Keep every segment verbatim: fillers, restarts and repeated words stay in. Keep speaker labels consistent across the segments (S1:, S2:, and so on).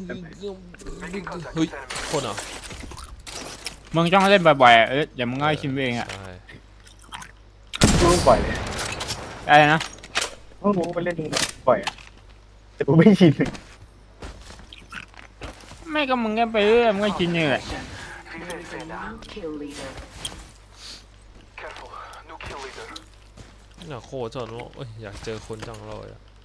S1: เฮ้ยคนเหรอ
S2: มึงต้องเล่นบ่อยๆเอออย่ามึงง่ายชิมเองอ่ะ
S3: ต้องปล่อยเลย
S2: อะไรนะ
S3: ต้องรู้ไปเล่นปล่อยแต่กูไม่ชิน
S2: ไม่ก็มึงก็ไปเรื่อยมึงก็ชินนี่แหละ
S1: อยากโคจรว่าอยากเจอคนจังเลย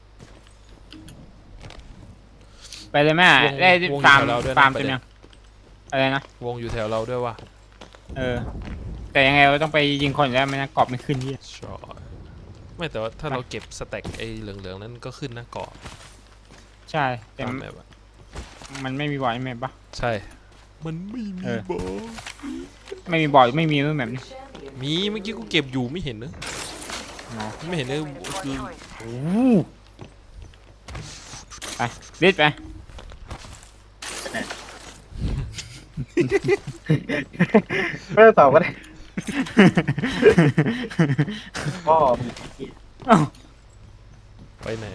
S2: ไปเลยแม่ได้ฟาร์มฟาร์มเต็มยังอะไรนะ
S1: วงอยู่แถวเราด้วยว่ะ
S2: เออแต่ยังไงเราต้องไปยิงคนแล้วไม่งั้นกรอบไม่ขึ้นที่
S1: ใช่ไม่แต่ว่าถ้าเราเก็บสแต็กไอ้เหลืองๆนั้นก็ขึ้นนะเกาะ
S2: ใช่แต่มันไม่มีบอลใช่ไหมปะ
S1: ใช่มันไม่มีบอล
S2: ไม่มีบอลไม่มีรูปแบบนี้
S1: มีเมื่อกี้กูเก็บอยู่ไม่เห็นเนอะไม่เห็นเลยคือ
S2: โอ้ไปรีดไป
S3: ไม่ต้องตอบก็ได้พ่อ
S1: ไปไหน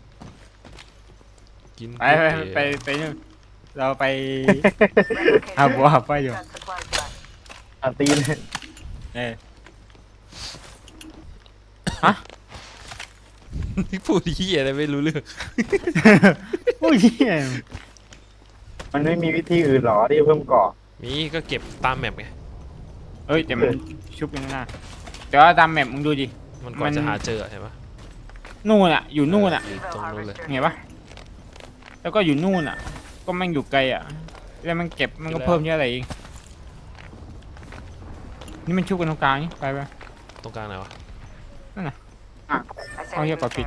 S1: กิน
S2: ไปไปไปไปนู่นเราไปหาบัวหาไปอยู่
S3: อาตีน
S2: เออฮะ
S1: พูดที่อะไรไม่รู้เรื่อง
S2: พูดที่
S3: มันไม่มีวิธีอื่นหรอที่เพิ่มเกาะ
S1: มีก็เก็บตามแมปไง
S2: เอ้ยแต่มันชุบยังไงแต่ว่าตามแมปมึงดูดิ
S1: มันก่อนจะหาเจอเห็นปะ
S2: นู่นอ่ะอยู่นู่นอ่ะ
S1: ตรงนู้นเลย
S2: เห็นปะแล้วก็อยู่นู่นอ่ะก็มันอยู่ไกลอ่ะแล้วมันเก็บมันก็เพิ่มเยอะอะไรเองนี่มันชุบกันตรงกลางนี่ไปไป
S1: ตรงกลางไหนวะ
S2: นั่นน่ะเอาเยอะกว่าปิด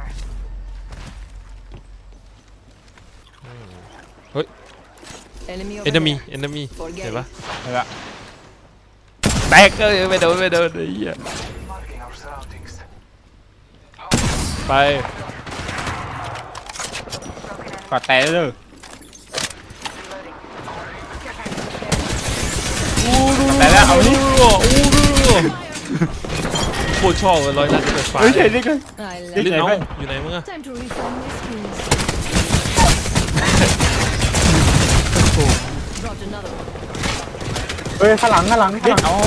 S1: เฮ้ยเอนมีเอนมีเห็นปะ
S2: เห็นละ
S1: แตกเอ้ยไม่โดนไม่โดนไอ้เหี้ยไป
S2: กอดแตะเลยแต่แล้วเอานี่
S1: โคตรชอบเลยร้อยนัดเปิดไฟ
S2: เฮ้ยเห็นดิกัน
S1: ลิ้นน้องอยู่ไหนมึงอะ
S3: เฮ้ยข้างหลังข้างหลังข้างหลัง
S2: อ๋อ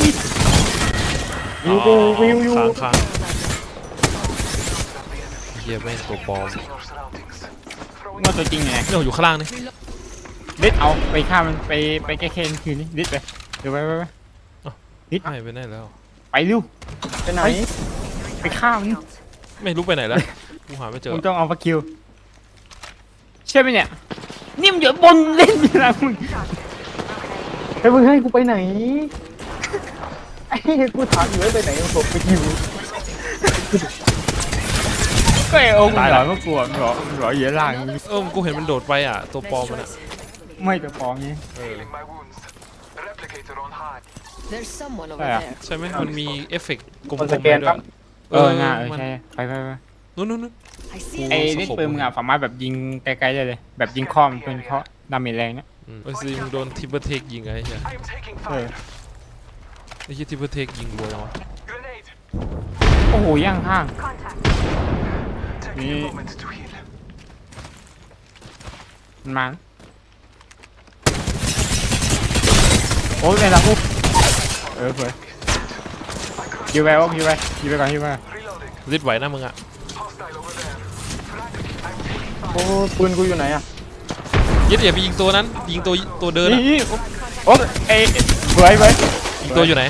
S3: วิวกูวิวอยู่
S1: ค้างเฮียแม่งตัวปลอม
S2: ว่าตัวจริงไง
S1: เนี่ยอยู่ข้างล่างนี่
S2: ดิดเอาไปฆ่ามันไปไปแก้แค้นคืนนี้ดิดไปเดี๋ยวไปไปไป
S1: ดิดหายไปไหนแล้ว
S2: ไปเร็ว
S3: ไปไหน
S2: ไปฆ่ามัน
S1: ไม่รู้ไปไหนแล้วกูหาไม่เจอ
S2: มึงต้องเอาปลาคิวใช่ไหมเนี่ยนี่มันอยู่บนเล่นอะไรมึง
S3: ให้มึงให้กูไปไหนไอ้กูถามอยู่ว่าไปไหนผมไปคิว
S2: ก็ไอ้องค์หลอนก็กลัวหรอหรอเยอะล่าง
S1: เออกูเห็นมันโดดไปอ่ะตัวปลอมมันอ่ะ
S2: ไม่ตัวปลอมนี้
S1: ใช่ไหมมันมีเอฟเฟกต์กลมๆ
S3: ด้วย
S2: เออน่าเออใช่ไปไปไป
S1: นู้นนู้น
S2: ไอ้นี่ปืนมึงอ่ะสามารถแบบยิงไกลๆได้เลยแบบยิงค้อมเป็นเพราะดาเมจแรงเนี่ย
S1: ไอ้ซีมึงโดนทิปเปอร์เทคยิงไงใช่
S2: เออ
S1: ไอ้ที่ทิปเปอร์เทคยิงรัววะ
S2: โอ้โหย่างข้างนี่มันมาโอ้ยเป็นละปุ๊บเออเผื่อยิวไปวะยิวไปยิวไปก่อนยิวไป
S1: ริดไหวนะมึงอ่ะ
S3: โอ้ปืนกูอยู่ไหนอ่ะ
S1: ยึดอย่าไปยิงตัวนั้นยิงตัวตัวเดิน
S2: นี่โอ้เอ้ยเบื่อเบื่อ
S1: ยิงตัวอยู่ไหน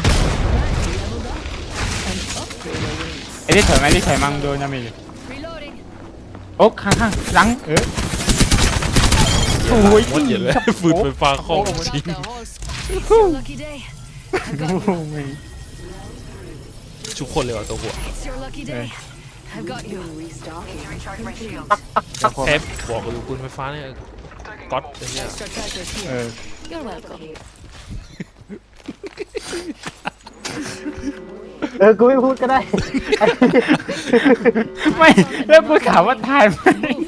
S2: ไอ้ที่ถอยไหมที่ถอยมั่งโดนยังไงโอ้ข้างข้างหลังเออโอ้ย
S1: เหี้ยเลยฝืนไฟฟ้าข้องจริงชุบคนเลยว่ะตัวหัวแคปบอกอยู่ปืนไฟฟ้าเนี่ยก๊อตอะไรเงี้ย
S2: เออ
S3: เออกูไม่พูดก็ได้
S2: ไม่แล้วกูถามว่าถ่ายไหม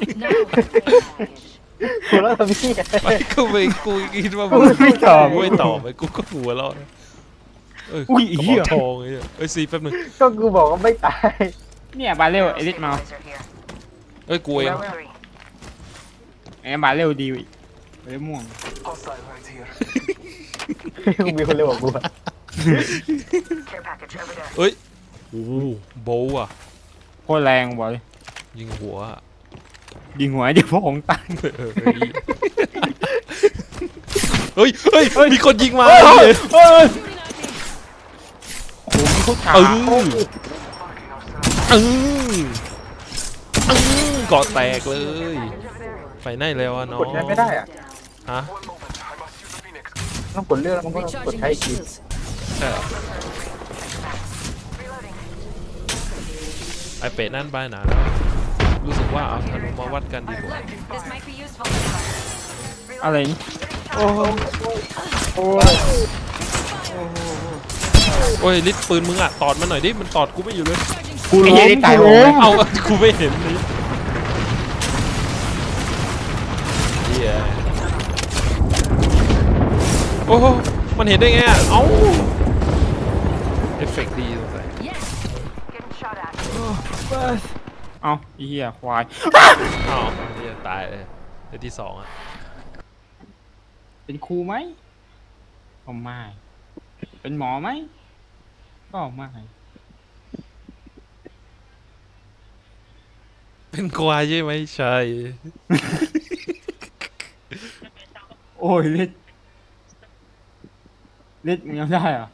S3: กูแล้วทำพี่
S1: ไม่กูไม่กูคิดว่า
S2: กูไม่ตอบ
S1: ไม่ตอบไปกูก็หัวเราะ
S2: อุ้ยเหี้ย
S1: ทองไอ้เอ้ยซีแป๊บนึง
S3: ก็กูบอกว่าไม่ตาย
S2: เนี่ยบาเร็วไอ้ลิทมา
S1: เอ้ยกูเอง
S2: ไอ้บาเร็วดีไปได้ม่วง
S3: กูมีคนเร็วกว่ากูอะ
S1: เอ้ยโอ้โหโบว์อ่ะ
S2: โคตรแรงบอย
S1: ยิงหัวอะ
S2: ยิงหัวเดี๋ยวพวกของตัน
S1: เออเฮ้ยเฮ้ยเฮ้ยมีคนยิงมา
S2: เฮ้ย
S1: เลย
S2: เฮ้ยโอ้โหมีเขาขา
S1: เออเออเออเกาะแตกเลยไปไหนแล้วอะน้อง
S3: กดใช้ไม่ได้อะ
S1: ฮะ
S3: ต้องกดเลือกแล้วมันก็กด
S4: Recharging
S3: ใช้
S4: my
S3: อีกที
S4: shields.
S1: ใช่เหรอไอเป็ดนั่นไปหนาแล้วรู้สึกว่าเอาธนูมาวัดกันดีกว่า
S4: This might be useful.
S2: อะไรนี่
S3: โอ้โหโอ้ย
S1: โอ้ยลิดปืนมึงอะตอดมันหน่อยดิมันตอดกูไม่อยู่เลย
S2: กูล้มตายโหง
S1: เอากูไม่เห็นเลยเฮียโอ้โหมันเห็นได้ไงอะเอ้าเอฟเฟกต์ดีสงสัย
S4: Yes.
S2: เอาไอ้เหี้ยควาย
S1: อ้าวเฮียตายเลยเดี๋ยวที่สองอะ
S2: เป็นครูไหมก็ไม่เป็นหมอไหมก็ไม่
S1: เป็นควายใช่ไหมใช่
S2: โอ้ยเล็ดเล็ดมึงยังได้เหรอ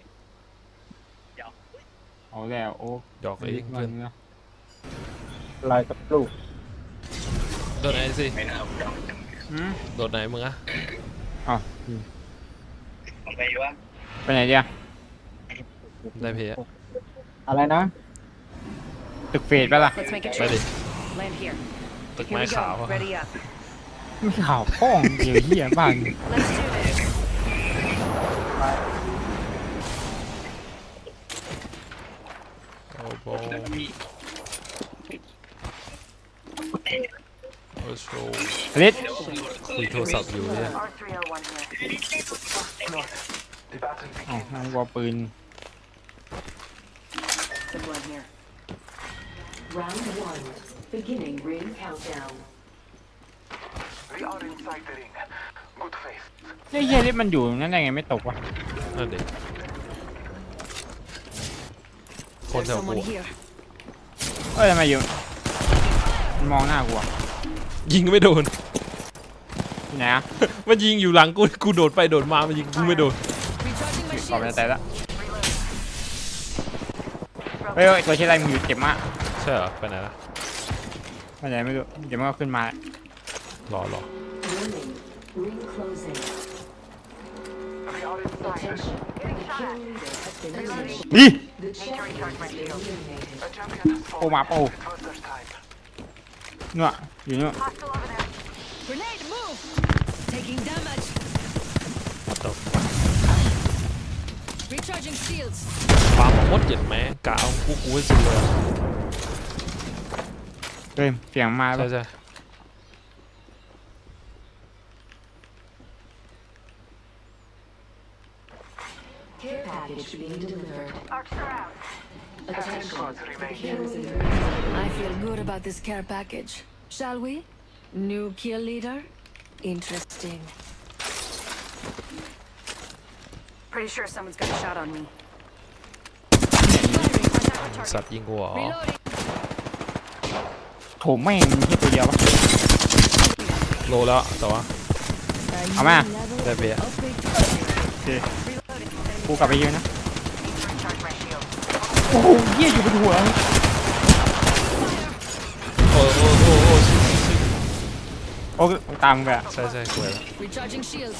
S2: เอาแล้วโอ้
S1: หยอกเองเพื่อน
S2: เนาะ
S3: ลายกับลูก
S1: โดนไหนสิ
S2: อืม
S1: โดนไหนมึงอะ
S2: อ๋ออืมไปไหนเดียว
S1: ได้เพย์
S3: อะไรนะ
S2: ตึกเฟดไปะล่ะ
S4: Let's make a
S1: ไปดิ
S4: truce. Land here.
S1: ตึก
S4: Here
S1: ไม้
S4: we
S1: ขาว
S4: go.
S1: อะ
S4: Ready up.
S2: ไม่ข่าวป้องเดี๋ยวเหี้ยบ้าน
S4: Let's do this.
S1: โอ้โหโอ้โห
S2: เล็ด
S1: คุยโทรศัพท์อยู่เนี่ย
S4: R three oh one here.
S2: อ๋อนั่นวอปืน
S4: Some blood here.
S5: Round one, beginning ring countdown.
S6: We are inside the ring. Good faith.
S2: เนี่ยเหี้ยเล็ดมันอยู่นั่นได้ไงไม่ตกวะ
S1: นั่นเด็กคน
S4: There's
S1: แถวกู
S4: someone
S1: อะ
S4: here.
S2: เอ้ยทำไมอยู่มันมองหน้ากูอะ
S1: ยิงไม่โดน
S2: ที่ไหนอะ
S1: มันยิงอยู่หลังกูกูโดดไปโดดมามันยิงกูไม่โดน
S4: Recharging my
S2: ขอบไป
S4: shields.
S2: แต่ละเฮ้ยเฮ้ยตัวเชี่ยอะไรมึงอยู่เจ็บมาก
S1: ใช่เหรอไปไหนละ
S2: ไม่ไหนไม่รู้เดี๋ยวมันก็ขึ้นมาร
S1: อรอ
S5: Warning, ring closing.
S6: We are inside.
S5: Attention, the kill leader has been eliminated.
S2: นี่
S5: The champion has been eliminated.
S6: A champion has
S2: โอ้
S6: fallen.
S2: มาโอ้
S6: It was their time.
S2: เนื้ออยู่เนื้อ
S4: Grenade, move. Taking damage.
S1: What the
S4: Recharging shields.
S1: ปามาหมดเจ็ดแม้กะเอากูกูให้สุดเลยอะ
S2: เฮ้ยเสียงมา
S1: ใช่
S2: ปะ
S1: ใช่
S5: Care package being delivered. Attention,
S6: Squads
S5: the
S6: remain.
S5: kill leader has
S4: I feel good about this care package. Shall we? New kill leader? Interesting. Pretty sure someone's got a shot on me. Firing on our
S1: สัต
S4: target.
S1: ว์ยิงกูเหรอ
S4: Reloading.
S2: โถแม่งมีแค่ตัวเดียววะ
S1: โลแล้วแต่ว่า
S2: เอามา
S1: ได้เพย์
S4: Upgrade.
S2: โอเคกูกลับไปยืนนะ โอ้โหเหี้ยอยู่บนหัว
S1: โอ้โอ้โอ้โอ้ชิชิชิ
S2: โอ้ตามมึงไปอะ
S1: ใช่ใช่กูเห็นแล้ว
S4: Recharging shields.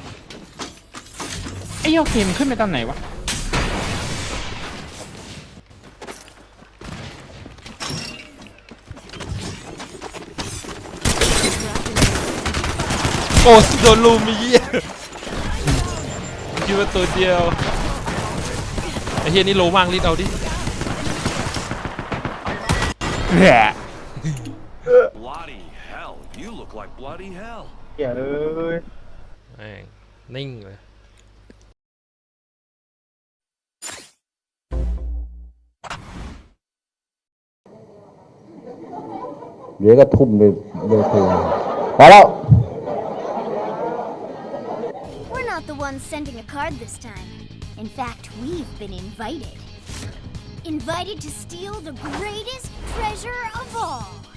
S2: ไอ้เหี้ยโอเคมันขึ้นไปตอนไหนวะ
S1: โอ้โดนลูมมีเหี้ยคิดว่าตัวเดียวไอ้เฮียนี่โลมากรีดเอาดิ
S2: แหละ
S7: Bloody hell, you look like bloody hell.
S3: เหี้ยเอ้ย
S1: แม่งนิ่งเลย
S8: เดี๋ยวก็ทุ่มเลยเลยเพลงพอแล้ว ones sending a card this time. In fact, we've been invited. Invited to steal the greatest treasure of all.